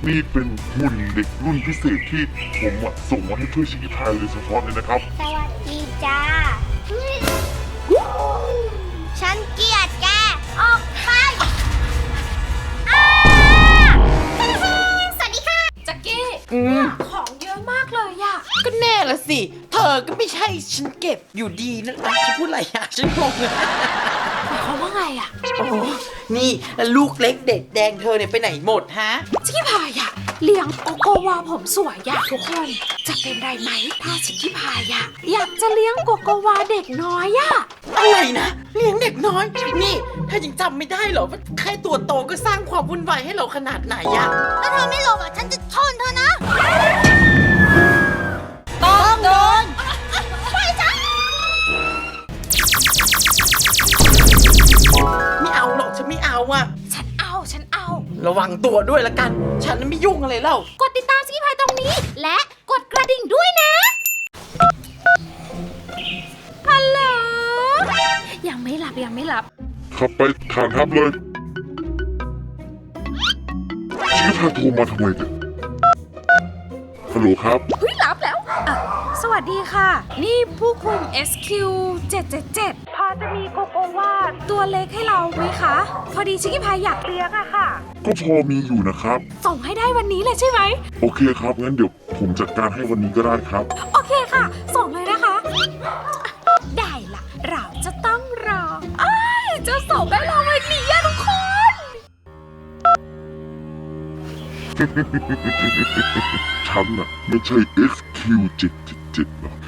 นี่เป็นหุ่นเด็กรุ่นพิเศษที่ผมส่งมาให้เพื่อชิคกี้พายโดยเฉพาะเลยนะครับสวัสดีจ้าฉันเกลียดแกออกไปสวัสดีค่ะแจ็คกี้ของเยอะมากเลยอะก็แน่ละสิเธอก็ไม่ใช่ฉันเก็บอยู่ดีนั่นฉันพูดอะไรอะฉันงงเลยหมายความว่าไงอะโอ้นี่ลูกเล็กเด็กแดงเธอเนี่ยไปไหนหมดฮะชิคกี้พายอะเลี้ยงโกโกวาผมสวยอะทุกคนจะเป็นไรไหมถ้าชิคกี้พายอะอยากจะเลี้ยงโกโกวาเด็กน้อยอะอะไรนะเลี้ยงเด็กน้อยนี่ถ้ายังจำไม่ได้เหรอว่าแค่ตัวโตก็สร้างความวุ่นวายให้เราขนาดไหนอะถ้าเธอไม่ลงฉันจะชนเธอนะต้องโดนไปจ้าไม่เอาหรอกฉันไม่เอาอะฉันเอาระวังตัวด้วยละกันฉันไม่ยุ่งอะไรเล่ากดติดตามชิคกี้พายตรงนี้และกดกระดิ่งด้วยนะฮัลโหลยังไม่หลับขับไปฐานทัพเลยชิคกี้พายโทรมาทำไมเนี่ยฮัลโหลครับเฮ้ยรับแล้วสวัสดีค่ะนี่ผู้คุม SQ777 พอจะมีโกโกวาตัวเล็กให้เราไหมคะพอดีชิคกี้พายอยากเลี้ยงอะค่ะก็พอมีอยู่นะครับส่งให้ได้วันนี้เลยใช่ไหมโอเคครับงั้นเดี๋ยวผมจัดการให้วันนี้ก็ได้ครับโอเคค่ะส่งเลยนะคะได้ละเราจะต้องรอจะส่งได้เราวันนี้อะทุกคนฉันไม่ใช่ XQ777 หรอก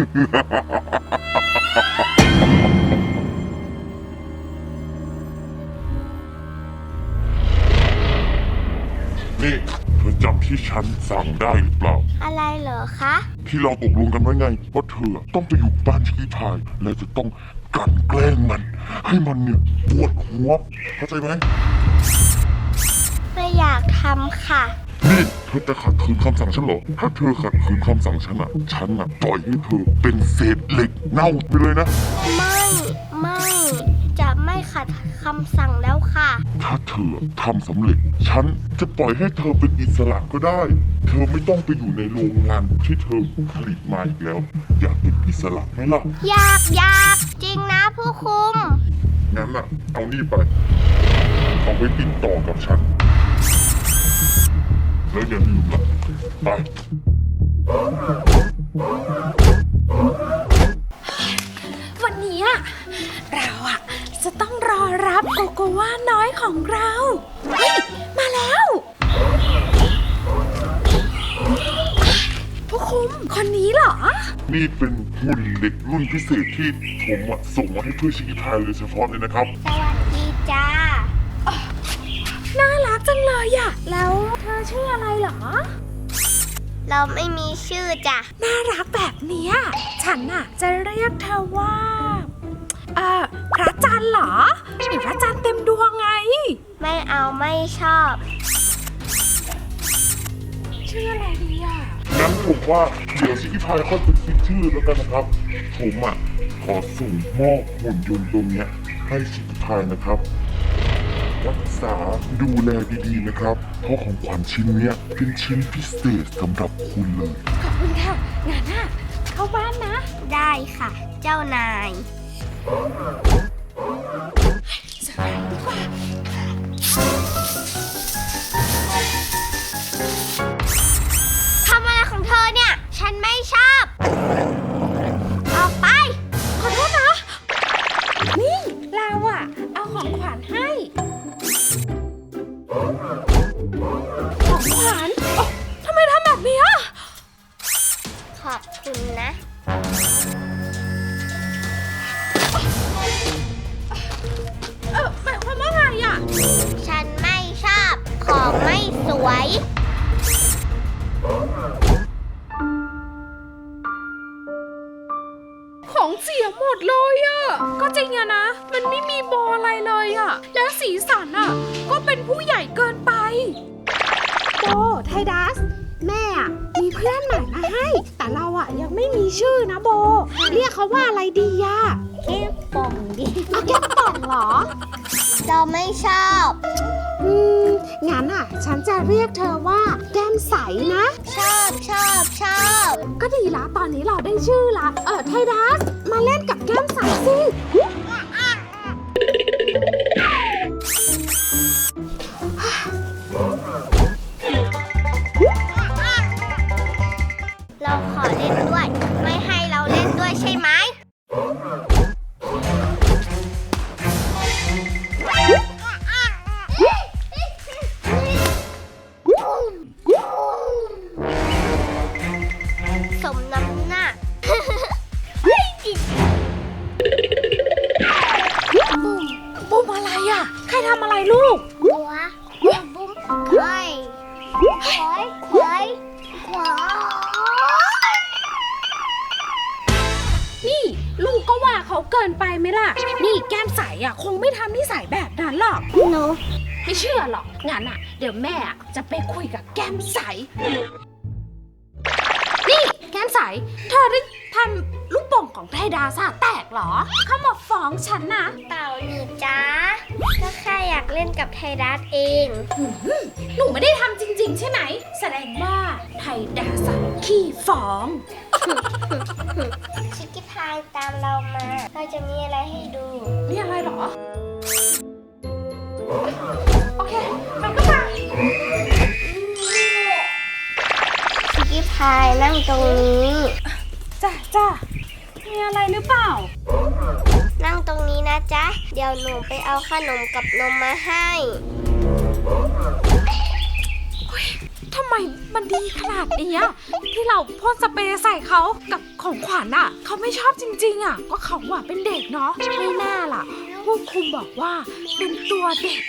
นี่เธอจำที่ฉันสั่งได้หรือเปล่าอะไรเหรอคะที่เราตกลงกันไว้ไงว่าเธอต้องไปอยู่บ้านชิคกี้พายและจะต้องกลั่นแกล้งมันให้มันเนี่ยปวดหัวเข้าใจไหมไม่อยากทำค่ะนี่เธอจะขัดขืนคำสั่งฉันเหรอถ้าเธอขัดขืนคำสั่งฉันปล่อยให้เธอเป็นเศษเหล็กเน่าไปเลยนะไม่จะไม่ขัดคำสั่งแล้วค่ะถ้าเธอทำสำเร็จฉันจะปล่อยให้เธอเป็นอิสระก็ได้เธอไม่ต้องไปอยู่ในโรงงานที่เธอผลิตมาอีกแล้วอยากเป็นอิสระไหมล่ะอยากจริงนะผู้คุมงั้นเอานี่ไปเอาไว้ติดต่อกับฉันแล้วอย่าลืมล่ะไปวันนี้เราจะต้องรอรับโกโกวาน้อยของเราเฮ้ยมาแล้วผู้คุมคนนี้เหรอนี่เป็นหุ่นเด็กรุ่นพิเศษที่ผมส่งมาให้เพื่อชิคกี้พายโดยเฉพาะเลยนะครับสวัสดีจ้าน่ารักจังเลยแล้วเธอชื่ออะไรเหรอเราไม่มีชื่อจ้ะน่ารักแบบนี้ฉันจะเรียกเธอว่าพระจันทร์เหรอหรือพระจันทร์เต็มดวงไงไม่เอาไม่ชอบชื่ออะไรดีงั้นผมว่าเดี๋ยวชิคกี้พายค่อยไปคิดชื่อแล้วกันนะครับผมขอส่งมอบหุ่นยนต์ตัวนี้ให้ชิคกี้พายนะครับรักษาดูแลดีๆนะครับเพราะของขวัญชิ้นนี้เป็นชิ้นพิเศษสำหรับคุณเลยขอบคุณค่ะงานเข้าบ้านนะได้ค่ะเจ้านายทำอะไรของเธอเนี่ยฉันไม่ชอบออกไปขอโทษนะนี่เราเอาของขวัญให้ของขวัญทำไมทำแบบนี้ขอบคุณนะหมายความว่าไงฉันไม่ชอบของไม่สวยของเสียหมดเลยก็จริงนะมันไม่มีโบอะไรเลยแล้วสีสันก็เป็นผู้ใหญ่เกินไปโบไทดัสแม่มีเพื่อนใหม่มาให้แต่เรายังไม่มีชื่อนะโบเรียกเขาว่าอะไรดีแก้มป่องดิแก้มป่องเหรอเราไม่ชอบงั้นฉันจะเรียกเธอว่านะชอบก็ดีละตอนนี้เราได้ชื่อละไทดัสมาเล่นกับแก้มใสสิเราขอเล่นด้วย ไม่ให้เราเล่นด้วยใช่ไหม สมน้ำหน้าบุ้มอะไรอ่ะ ใครทำอะไรลูกหัวบุ้มไข่ควายนี่ลูกก็ว่าเขาเกินไปไหมล่ะ นี่แก้มใสอ่ะคงไม่ทำนิสัยแบบนั้นหรอกหนูไม่เชื่อหรอก งั้นอ่ะ เดี๋ยวแม่จะไปคุยกับแก้มใส นี่แก้มใส เธอได้ทำลูกโป่งของไทดาสะแตกเหรอ เขามาฟ้องฉันนะเต่าหนี่จ้าก็แค่อยากเล่นกับไทดัสเองหนูไม่ได้ทำจริง ๆ ใช่ไหม แสดงว่าไทดาสะขี้ฟ้องชิคกี้พายตามเรามา เราจะมีอะไรให้ดูนี่อะไรเหรอ โอเคเราก็มาชิคกี้พายนั่งตรงนี้จ้ามีอะไรหรือเปล่านั่งตรงนี้นะจ๊ะ เดี๋ยวหนูไปเอาขนมกับนมมาให้ทำไมมันดีขนาดนี้อะที่เราพ่นสเปรย์ใส่เขากับของขวัญอะเขาไม่ชอบจริงๆอะก็เขาอะเป็นเด็กเนาะไม่น่าล่ะผู้คุมบอกว่าเป็นตัวเด็ก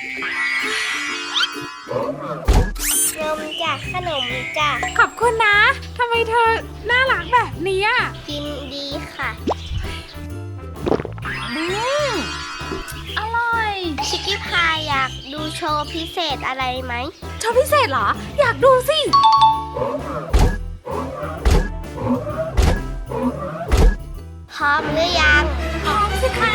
นมจ้ะขนมจ้ะขอบคุณนะทำไมเธอน่ารักแบบนี้อะกินดีค่ะอร่อยชิคกี้พายอยากดูโชว์พิเศษอะไรไหมโชว์พิเศษเหรอ อยากดูสิพร้อมหรือยังพร้อมสิคะ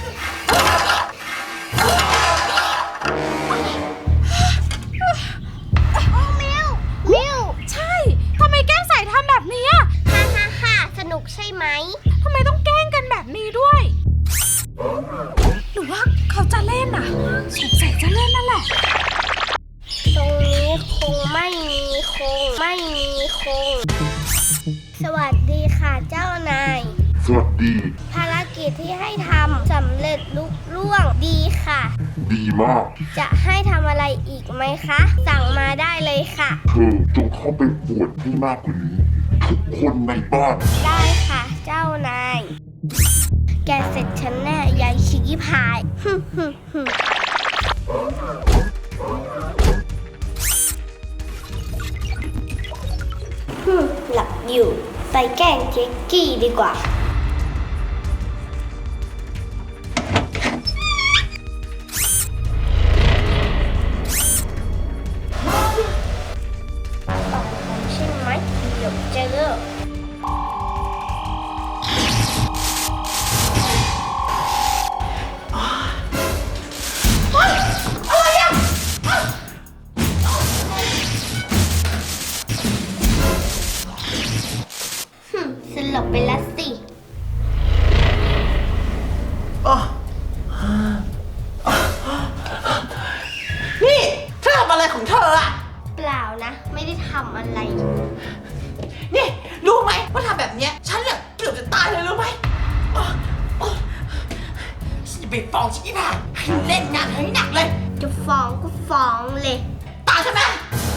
มิวใช่ทำไมแก้มใสทำแบบนี้อะฮ่าสนุกใช่ไหมทำไมต้องแกล้งกันแบบนี้ด้วย หรือว่าเขาจะเล่นอ่ะสงสัยจะเล่นนั่นแหละตรงนี้คงไม่มีคง สวัสดีค่ะเจ้านายสวัสดีภารกิจที่ให้ทำสำเร็จลุล่วงดีค่ะดีมากจะให้ทำอะไรอีกไหมคะ สั่งมาได้เลยค่ะเธอจงเข้าไปปวดให้มากกว่านี้ ทุกคนในบ้านได้ค่ะเจ้านาย แกเสร็จฉันแน่ยายชิคกี้พาย หลับอยู่ ไปแกล้งเจ๊กกี้ดีกว่า ใช่ไหมเดี๋ยวเจอ สลบไปแล้วสินี่เธอทำอะไรของเธออะเปล่านะ ไม่ได้ทำอะไรนี่รู้ไหมว่าทำแบบเนี้ยฉันเนี่ยเกือบจะตายเลยรู้ไหมฉันจะไปฟ้องชิคกี้พายให้เล่นงานให้หนักเลยจะฟ้องก็ฟ้องเลยตายใช่ไหม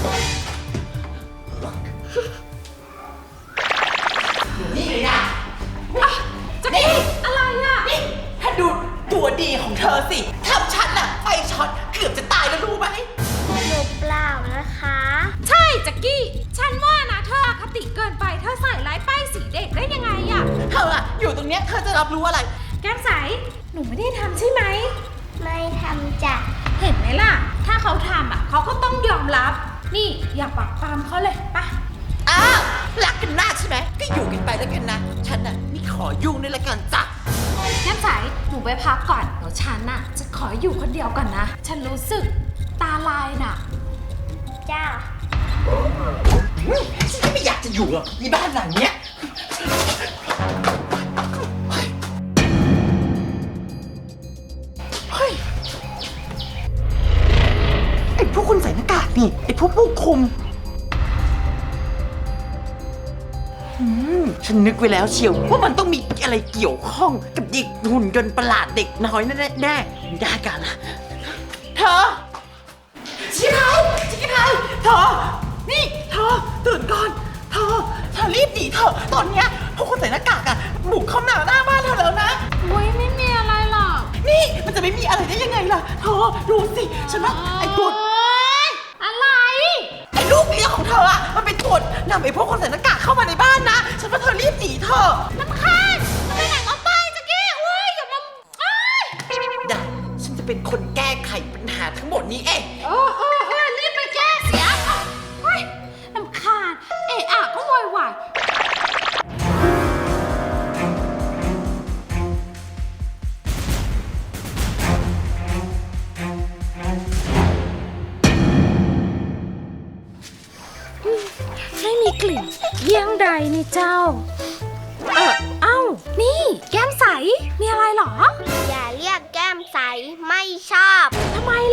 นี่เลยนะจะนี่อะไรอ่ะนี่ถ้าดูตัวดีของเธอสิทำฉันน่ะไฟช็อตเกือบจะตายแล้วรู้ไหมหนูเปล่านะคะใช่แจ็กกี้ ฉันว่านะเธออคติเกินไปเธอใส่ร้ายป้ายสีเด็กได้ยังไงอ่ะเธออะอยู่ตรงเนี้ยเธอจะรับรู้อะไรแก้มใส หนูไม่ได้ทำใช่ไหมไม่ทำจ้ะเห็นไหมล่ะ ถ้าเขาทำอ่ะเขาก็ต้องยอมรับ นี่อย่าปักปามเขาเลยปะอ้าวรักกันมากใช่ไหมก็อยู่กันไปแล้วกันนะฉันน่ะไม่ขอยุ่งด้วยละกันจ้ะแก้มใส หนูไปพักก่อนเดี๋ยวฉันน่ะจะขออยู่คนเดียวก่อนนะ ฉันรู้สึกตาลายน่ะจ้าอืจะอยู่เหรอในบ้านหลังเนี้ยเฮ้ยไอ้พวกคนใส่หน้ากากนี่ไอ้พวกผู้คุมฉันนึกไว้แล้วเชียวว่ามันต้องมีอะไรเกี่ยวข้องกับเด็กหุ่นยนต์ประหลาดเด็กน้อยแน่แน่ไม่ได้กันละเธอชิคกี้พายเธอนี่เธอตื่นก่อนเธอรีบหนีเถอะตอนเนี้ยพวกคนใส่หน้ากากอะบุกเข้ามาหน้าบ้านเธอแล้วนะโอ้ยไม่มีอะไรหรอกนี่มันจะไม่มีอะไรได้ยังไงล่ะเธอดูสิฉันว่าไอ้ตัวอะไรไอ้ลูกเลี้ยงของเธออะมันเป็นตัวนำไอ้พวกคนใส่หน้ากากเข้ามาในบ้านนะฉันว่าเธอรีบหนีเถอะน้ำคาญไปไหนก็ไปจักกี้โอ้ยอย่ามาอ้ายได้ฉันจะเป็นคนแก้ไขปัญหาทั้งหมดนี้เองรีบไปแก้เสียเฮ้ยน้ำคาญเอะอะก็โวยวายไม่มีกลิ่นเยี่ยงใดนี่เจ้า เอ้า นี่แก้มใส มีอะไรเหรออย่าเรียกแก้มใสไม่ชอบทำไม